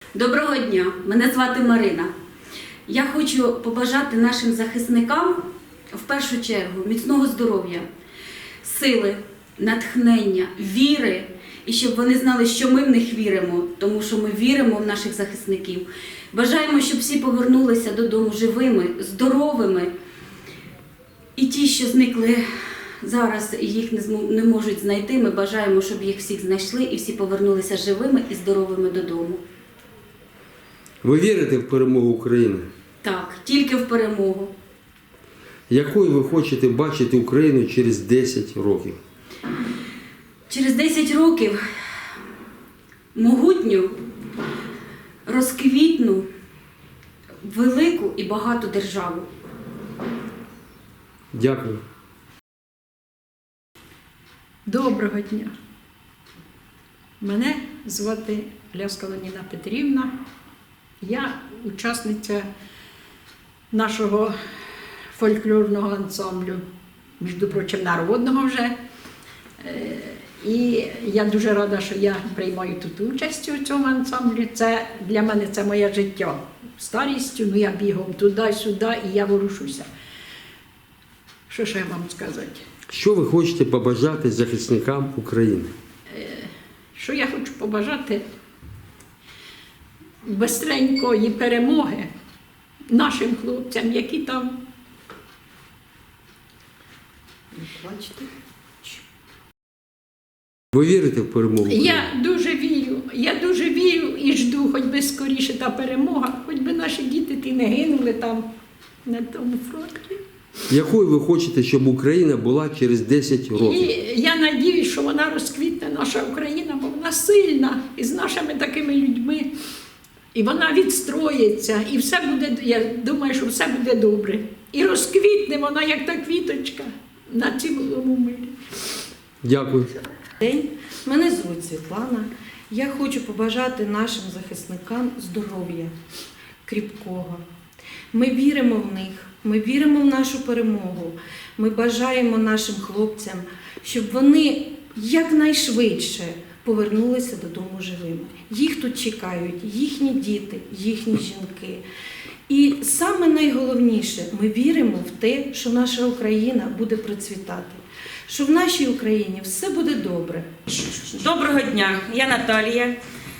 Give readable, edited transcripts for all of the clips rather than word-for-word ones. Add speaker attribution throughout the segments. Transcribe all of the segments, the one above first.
Speaker 1: Доброго дня, мене звати Марина. Я хочу побажати нашим захисникам в першу чергу міцного здоров'я, сили, натхнення, віри і щоб вони знали, що ми в них віримо, тому що ми віримо в наших захисників. Бажаємо, щоб всі повернулися додому живими, здоровими і ті, що зникли зараз і їх не можуть знайти, ми бажаємо, щоб їх всіх знайшли і всі повернулися живими і здоровими додому.
Speaker 2: Ви вірите в перемогу України?
Speaker 1: Так, тільки в перемогу.
Speaker 2: Якою ви хочете бачити Україну через 10 років?
Speaker 1: Через 10 років могутню, розквітну, велику і багату державу.
Speaker 2: Дякую.
Speaker 3: Доброго дня. Мене звати Ляска Леоніна Петрівна. Я учасниця нашого фольклорного ансамблю, між прочим, народного вже. І я дуже рада, що я приймаю тут участь у цьому ансамблі. Це для мене це моє життя. Старістю, я бігом туди-сюди і я ворушуся. Що ще вам сказати?
Speaker 2: Що ви хочете побажати захисникам України?
Speaker 3: Що я хочу побажати бистренької перемоги нашим хлопцям, які там. Бачите?
Speaker 2: Ви вірите в перемогу України?
Speaker 3: Я дуже вірю і жду, хоч би скоріше та перемога, хоч би наші діти ті не гинули там на тому фронті.
Speaker 2: Якою ви хочете, щоб Україна була через 10 років?
Speaker 3: І я сподіваюся, що вона розквітне, наша Україна, бо вона сильна, і з нашими такими людьми. І вона відстроїться, і все буде, я думаю, що все буде добре. І розквітне вона, як та квіточка, на цілому мирі.
Speaker 2: Дякую.
Speaker 4: День. Мене звуть Світлана. Я хочу побажати нашим захисникам здоров'я кріпкого. Ми віримо в них, ми віримо в нашу перемогу. Ми бажаємо нашим хлопцям, щоб вони якнайшвидше повернулися додому живими. Їх тут чекають їхні діти, їхні жінки. І саме найголовніше, ми віримо в те, що наша Україна буде процвітати, що в нашій Україні все буде добре.
Speaker 5: Доброго дня, я Наталія.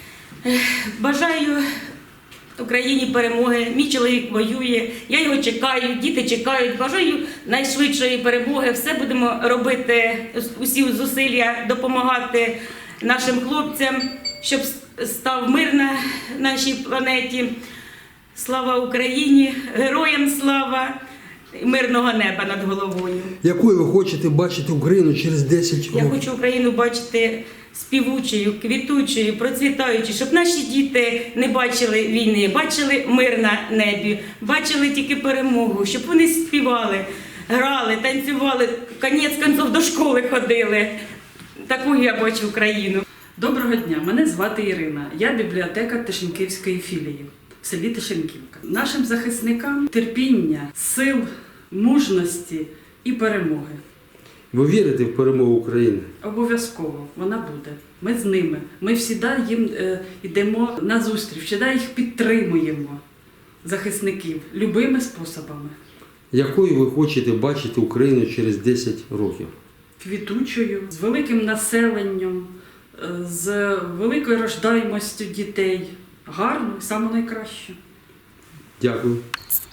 Speaker 5: Бажаю Україні перемоги. Мій чоловік воює, я його чекаю, діти чекають. Бажаю найшвидшої перемоги. Все будемо робити, усі зусилля допомагати нашим хлопцям, щоб став мир на нашій планеті. Слава Україні! Героям слава! Мирного неба над головою.
Speaker 2: Якою ви хочете бачити Україну через 10 років?
Speaker 5: Я хочу Україну бачити співучою, квітучою, процвітаючою, щоб наші діти не бачили війни, бачили мир на небі, бачили тільки перемогу, щоб вони співали, грали, танцювали, кінець кінців до школи ходили. Таку я бачу Україну.
Speaker 6: Доброго дня, мене звати Ірина. Я бібліотекар Тишенківської філії в селі Тишенківка. Нашим захисникам терпіння, сил, мужності і перемоги.
Speaker 2: Ви вірите в перемогу України?
Speaker 6: Обов'язково вона буде. Ми з ними. Ми завжди їм йдемо на зустріч, завжди їх підтримуємо, захисників, любими способами.
Speaker 2: Якою ви хочете бачити Україну через 10 років?
Speaker 6: Квітучою, з великим населенням, з великою рождаємістю дітей. Гарно і саме найкраще.
Speaker 2: Дякую.